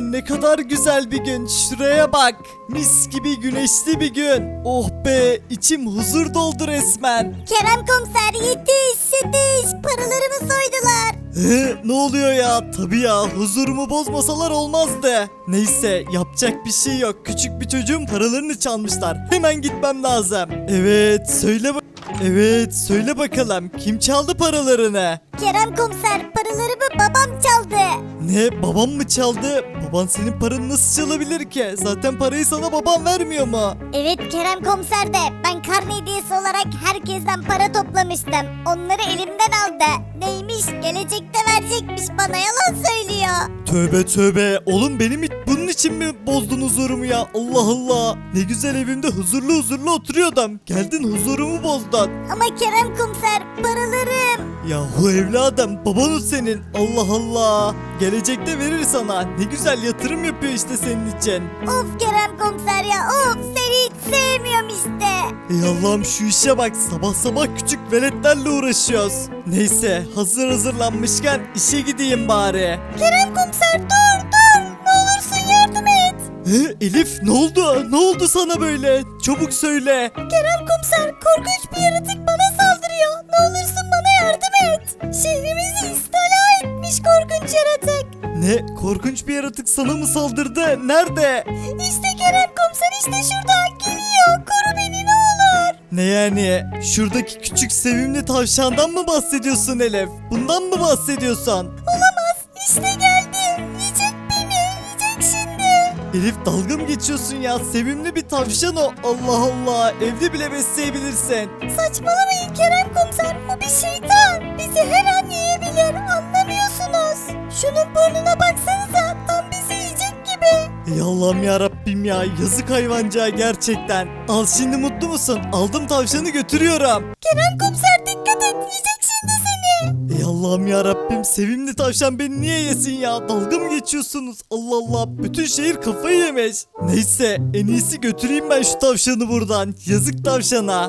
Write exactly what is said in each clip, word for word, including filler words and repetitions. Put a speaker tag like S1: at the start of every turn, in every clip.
S1: ne kadar güzel bir gün. Şuraya bak. Mis gibi güneşli bir gün. Oh be, içim huzur doldu resmen.
S2: Kerem komiser yetiş yetiş paralarımı soydular.
S1: He, ne oluyor ya? Tabii ya, huzurumu bozmasalar olmazdı. Neyse, yapacak bir şey yok. Küçük bir çocuğun paralarını çalmışlar. Hemen gitmem lazım. Evet, söyle bak. Evet, söyle bakalım. Kim çaldı paralarını?
S2: Kerem komiser paralarımı babam çaldı.
S1: Ne, babam mı çaldı? Baban senin paranı nasıl çalabilir ki? Zaten parayı sana baban vermiyor mu?
S2: Evet Kerem komiser de ben karne hediyesi olarak herkesten para toplamıştım. Onları elimden aldı. Neymiş gelecekte verecekmiş bana yalan söylüyor.
S1: Tövbe tövbe. Oğlum benim hiç bunun için mi bozdun huzurumu ya? Allah Allah. Ne güzel evimde huzurlu huzurlu oturuyordum. Geldin huzurumu bozdun.
S2: Ama Kerem komiser paralarım.
S1: Yahu evladım, baban o senin. Allah Allah. Gelecekte verir sana. Ne güzel yatırım yapıyor işte senin için.
S2: Of Kerem komiser ya of seni hiç sevmiyorum işte.
S1: Ey Allah'ım, şu işe bak. Sabah sabah küçük veletlerle uğraşıyoruz. Neyse, hazır hazırlanmışken işe gideyim bari.
S2: Kerem komiser dur dur ne olursun yardım et.
S1: He, Elif, ne oldu? Ne oldu sana böyle? Çabuk söyle.
S2: Kerem komiser korkunç bir yaratık bana saldırıyor. Ne olursun bana yardım et. Şehrimizi istila etmiş korkunç yaratık.
S1: Ne? Korkunç bir yaratık sana mı saldırdı? Nerede?
S2: İşte Kerem komiser işte şurada geliyor. Koru beni ne olur.
S1: Ne yani? Şuradaki küçük sevimli tavşandan mı bahsediyorsun Elif? Bundan mı bahsediyorsun?
S2: Olamaz işte geldi. Yiyecek beni yiyecek şimdi.
S1: Elif, dalga mı geçiyorsun ya? Sevimli bir tavşan o. Allah Allah. Evde bile besleyebilirsin.
S2: Saçmalamayın Kerem komiser o bir şeytan. Bizi her an yiyebilir anlamıyorsunuz. Şunun burnuna baksanıza tam bizi yiyecek gibi.
S1: Ey Allah'ım ya Rabbim ya. Yazık hayvancağız gerçekten. Al, şimdi mutlu musun? Aldım tavşanı, götürüyorum.
S2: Kerem komiser dikkat et yiyecek şimdi seni.
S1: Ey Allah'ım ya Rabbim, sevimli tavşan beni niye yesin ya? Dalga mı geçiyorsunuz? Allah Allah, bütün şehir kafayı yemiş. Neyse, en iyisi götüreyim ben şu tavşanı buradan. Yazık tavşana.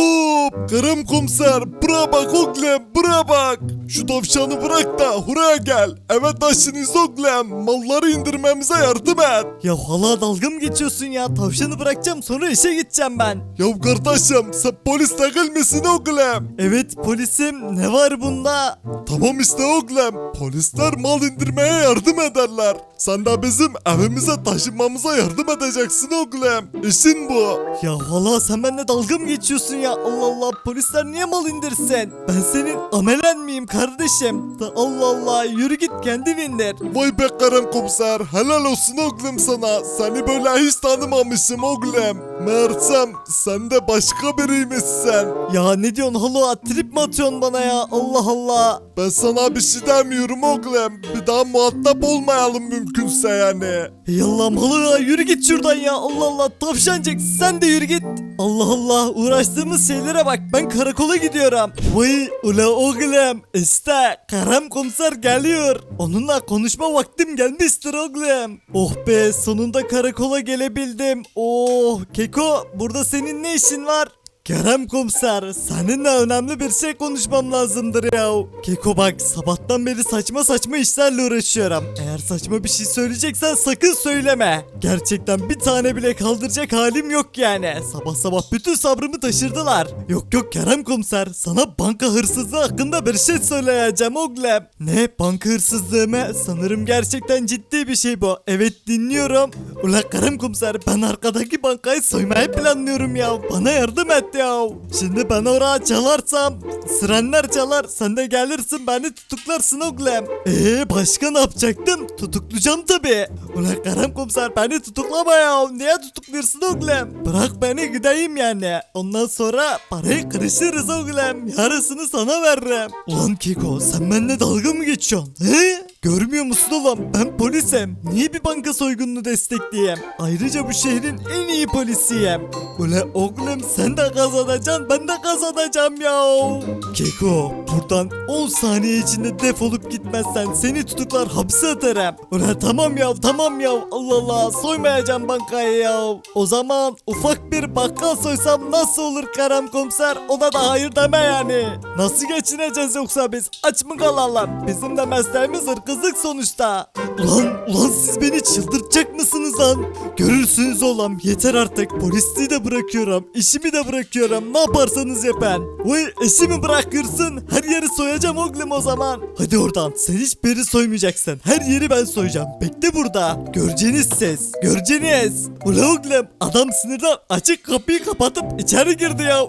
S3: Hop Kerem komiser bura bak oğlum bura bak. Şu tavşanı bırak da buraya gel. Eve taşınız oğlum. Malları indirmemize yardım et.
S1: Ya hala dalga mı geçiyorsun ya? Tavşanı bırakacağım, sonra işe gideceğim ben.
S3: Ya kardeşim sen polis değil misin oğlum?
S1: Evet polisim, ne var bunda?
S3: Tamam işte oğlum. Polisler mal indirmeye yardım ederler. Sen de bizim evimize taşınmamıza yardım edeceksin oğlum. İşin bu.
S1: Ya hala sen benimle dalga mı geçiyorsun ya? Allah Allah, polisler niye mal indirsin? Ben senin amelen miyim kardeşim? Da Allah Allah, yürü git kendin indir.
S3: Vay be Kerem komiser helal olsun oğlum sana. Seni böyle hiç tanımamışım oğlum. Meğersem sen de başka biriymişsin.
S1: Ya ne diyorsun hala, trip mi atıyorsun bana ya? Allah Allah.
S3: Ben sana bir şey demiyorum oğlum. Bir daha muhatap olmayalım mümkünse yani.
S1: Ey Allah'ım hala, yürü git şuradan ya. Allah Allah, tavşancık sen de yürü git. Allah Allah, uğraştığımız şeylere bak, ben karakola gidiyorum. Vay ula oğlum, işte Kerem komiser geliyor. Onunla konuşma vaktim gelmiştir oğlum. Oh be, sonunda karakola gelebildim. Oh Keko, burada senin ne işin var? Kerem komiser, seninle önemli bir şey konuşmam lazımdır ya. Keko bak, sabahtan beri saçma saçma işlerle uğraşıyorum. Eğer saçma bir şey söyleyeceksen sakın söyleme. Gerçekten bir tane bile kaldıracak halim yok yani. Sabah sabah bütün sabrımı taşırdılar. Yok yok Kerem komiser, sana banka hırsızlığı hakkında bir şey söyleyeceğim oğlum. Ne, banka hırsızlığı mı? Sanırım gerçekten ciddi bir şey bu. Evet, dinliyorum. Ula Kerem komiser, ben arkadaki bankayı soymayı planlıyorum ya. Bana yardım et ya. Şimdi ben oraya çalarsam sirenler çalar, sen de gelirsin beni tutuklarsın oğlum. Eee başka ne yapacaktım? Tutuklayacağım tabi. Ulan Kerem komiser, beni tutuklama ya. Niye tutukluyorsun oğlum? Bırak beni gideyim yani. Ondan sonra parayı kırışırız oğlum. Yarısını sana veririm. Ulan Keko, sen benimle dalga mı geçiyorsun? He? Görmüyor musun oğlum? Ben polisim. Niye bir banka soygununu destekleyeyim? Ayrıca bu şehrin en iyi polisiyim. Ula oğlum, sen de kazanacaksın, ben de kazanacağım ya. Keko, buradan on saniye içinde defolup gitmezsen seni tutuklar hapse atarım. Ula tamam ya, tamam ya. Allah Allah, soymayacağım bankayı ya. O zaman ufak bir bakkal soysam nasıl olur Kerem komiser? Ona da hayır deme yani. Nasıl geçineceğiz yoksa biz? Aç mı kalalım? Bizim de mesleğimiz hırkızlık sonuçta. Ulan, ulan siz beni çıldırtıyorsunuz. lan. Görürsünüz oğlum, yeter artık. Polisliği de bırakıyorum, işimi de bırakıyorum. Ne yaparsanız yapın. Vay, işimi bırakırsın, her yeri soyacağım oğlum o zaman. Hadi oradan, sen hiçbir yeri soymayacaksın. Her yeri ben soyacağım. Bekle burada. Göreceğiniz siz. Göreceğiniz. Ula oğlum, adam sinirden açık kapıyı kapatıp içeri girdi ya.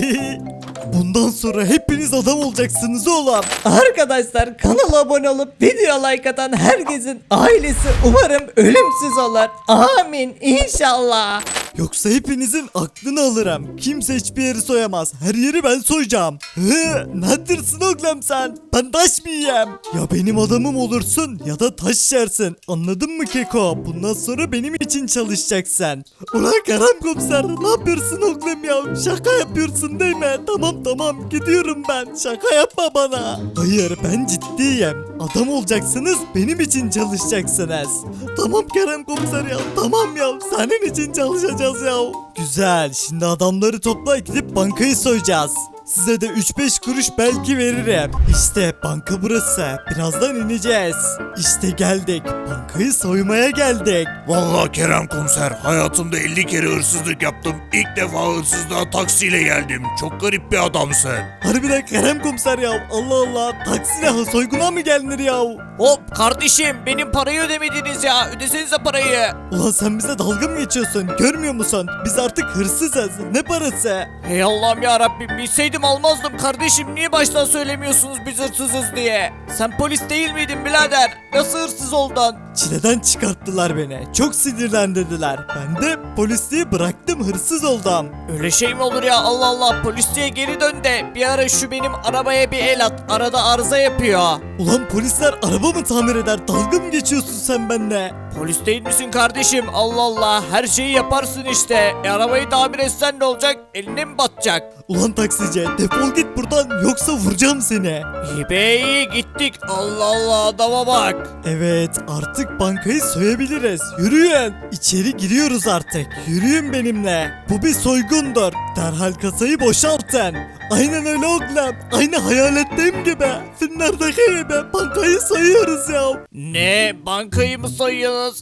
S1: Bundan sonra hepiniz adam olacaksınız oğlum.
S4: Arkadaşlar kanala abone olup video like atan herkesin ailesi umarım ölümsüz olur. Amin inşallah.
S1: Yoksa hepinizin aklını alırım. Kimse hiçbir yeri soyamaz. Her yeri ben soyacağım. Hı, nedirsin oğlum sen? Ben taş mı yiyeyim? Ya benim adamım olursun ya da taş yersin. Anladın mı Keko? Bundan sonra benim için çalışacaksın. Ulan Kerem komiser, ne yapıyorsun oğlum ya? Şaka yapıyorsun değil mi? Tamam tamam, gidiyorum ben. Şaka yapma bana. Hayır, ben ciddiyim. Adam olacaksınız, benim için çalışacaksınız. Tamam Kerem komiser ya, tamam ya. Senin için çalışacağız ya. Güzel, şimdi adamları topla, gidip bankayı soyacağız. Size de üç beş kuruş belki veririm. İşte banka burası. Birazdan ineceğiz. İşte geldik. Bankayı soymaya geldik.
S3: Vallahi Kerem komiser, hayatımda elli kere hırsızlık yaptım. İlk defa hırsızlığa taksiyle geldim. Çok garip bir adamsın.
S1: Harbiden Kerem komiser ya. Allah Allah. Taksiyle soyguna mı gelinir ya?
S4: Hop kardeşim benim parayı ödemediniz ya. Ödesenize parayı.
S1: Ulan sen bize dalga mı geçiyorsun? Görmüyor musun? Biz artık hırsızız. Ne parası?
S4: Hey Allah'ım ya Rabbim bilseydim almazdım kardeşim. Niye baştan söylemiyorsunuz biz hırsızız diye? Sen polis değil miydin birader? Nasıl hırsız oldun?
S1: Çileden çıkarttılar beni. Çok sinirlendirdiler. Ben de polisliği bıraktım, hırsız oldum.
S4: Öyle şey mi olur ya Allah Allah polisliğe geri dön de bir ara şu benim arabaya bir el at. Arada arıza yapıyor.
S1: Ulan polisler araba mı tamir eder? Dalga mı geçiyorsun sen benimle?
S4: Polis değil misin kardeşim? Allah Allah her şeyi yaparsın işte. E, arabayı tamir etsen ne olacak? Eline mi batacak?
S1: Ulan taksici, defol git buradan yoksa vuracağım seni.
S4: İyi be iyi gittik. Allah Allah adama bak.
S1: Evet, artık bankayı soyabiliriz. Yürüyün. İçeri giriyoruz artık. Yürüyün benimle. Bu bir soygundur. Derhal kasayı boşaltın. Aynen öyle oğlum. Aynı hayaletteyim gibi. Filmlerdeki gibi bankayı soyuyoruz ya.
S4: Ne bankayı mı soyuyorsunuz?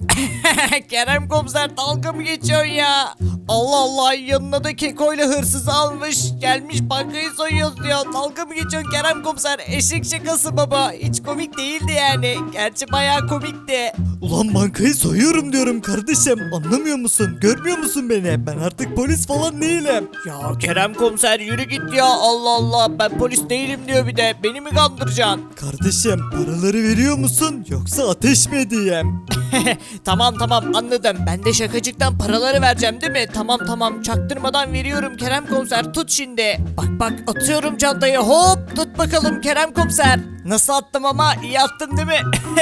S4: Kerem komiser dalga mı geçiyorsun ya? Allah Allah yanına da kekoyla hırsızı almış. Gelmiş bankayı soyuyoruz diyor. Dalga mı geçiyorsun Kerem komiser? Eşek şakası baba. Hiç komik değildi yani. Gerçi bayağı komikti.
S1: Ulan bankayı soyuyorum diyorum kardeşim. Anlamıyor musun? Görmüyor musun beni? Ben artık polis falan değilim.
S4: Ya Kerem komiser yürü git ya. Allah Allah ben polis değilim diyor bir de. Beni mi kandıracaksın?
S1: Kardeşim, paraları veriyor musun yoksa ateş mi edeyim?
S4: Tamam tamam anladım. Ben de şakacıktan paraları vereceğim değil mi? Tamam tamam çaktırmadan veriyorum Kerem komiser tut şimdi. Bak bak atıyorum çantayı hop tut bakalım Kerem komiser. Nasıl attım ama iyi attım değil mi?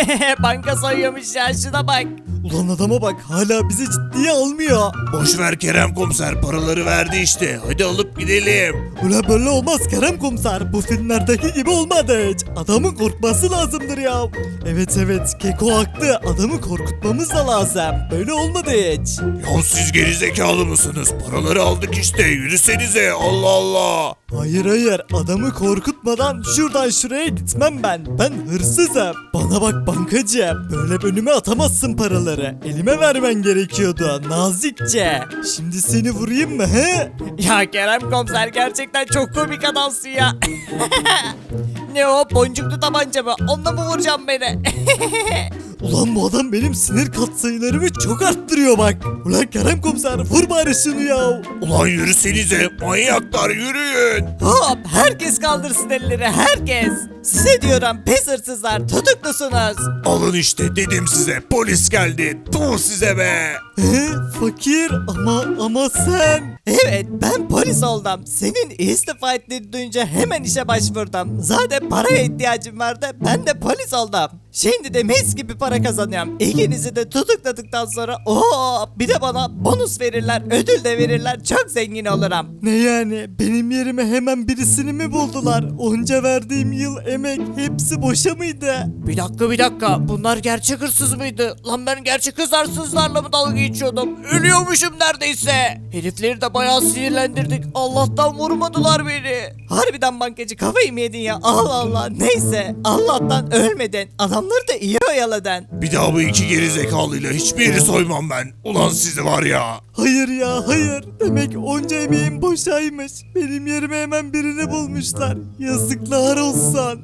S4: Banka soyuyormuş ya şuna bak.
S1: Ulan adama bak, hala bizi ciddiye almıyor.
S3: Boş ver Kerem komiser, paraları verdi işte. Hadi alıp gidelim.
S1: Ulan böyle olmaz Kerem komiser. Bu filmlerdeki gibi olmadı hiç. Adamın korkması lazımdır ya. Evet evet, Keko haklı. Adamı korkutmamız da lazım. Böyle olmadı hiç.
S3: Ya siz gerizekalı mısınız? Paraları aldık işte. Yürüsenize. Allah Allah.
S1: Hayır hayır, adamı korkutmadan şuradan şuraya gitmem ben. Ben hırsızım. Bana bak bankacı. Böyle önüme atamazsın paraları. Elime vermen gerekiyordu nazikçe. Şimdi seni vurayım mı he?
S4: Ya Kerem komiser gerçekten çok komik adamsın ya. Ne o boncuklu tabanca mı? Onunla mı vuracağım beni?
S1: Ulan bu adam benim sinir katsayılarımı çok arttırıyor bak. Ulan Kerem komiser, vur bari şunu ya.
S3: Ulan yürüsenize. Manyaklar yürüyün.
S4: Hop herkes kaldırsın elleri herkes. Size diyorum pes hırsızlar tutuklusunuz.
S3: Alın işte dedim size. Polis geldi. Tuh size be.
S1: He, fakir ama ama sen.
S4: Evet ben polis oldum. Senin istifa ettiğini duyunca hemen işe başvurdum. Zaten paraya ihtiyacım vardı. Ben de polis oldum. Şimdi de mis gibi para kazanıyorum. İkinizi de tutukladıktan sonra ooo bir de bana bonus verirler, ödül de verirler. Çok zengin olurum.
S1: Ne yani, benim yerime hemen birisini mi buldular? Onca verdiğim yıl emek hepsi boşa mıydı?
S4: Bir dakika bir dakika bunlar gerçek hırsız mıydı? Lan ben gerçek hırsızlarla mı dalga geçiyordum? Ölüyormuşum neredeyse. Herifleri de bayağı sinirlendirdik. Allah'tan vurmadılar beni.
S1: Harbiden bankacı kafayı mı yedin ya? Allah Allah. Neyse Allah'tan ölmedin. Adamları da iyi oyaladın.
S3: Bir daha bu iki geri zekalıyla hiçbir yeri soymam ben. Ulan sizi var ya.
S1: Hayır ya hayır. Demek onca emeğim boşaymış. Benim yerime hemen birini bulmuşlar. Yazıklar olsun.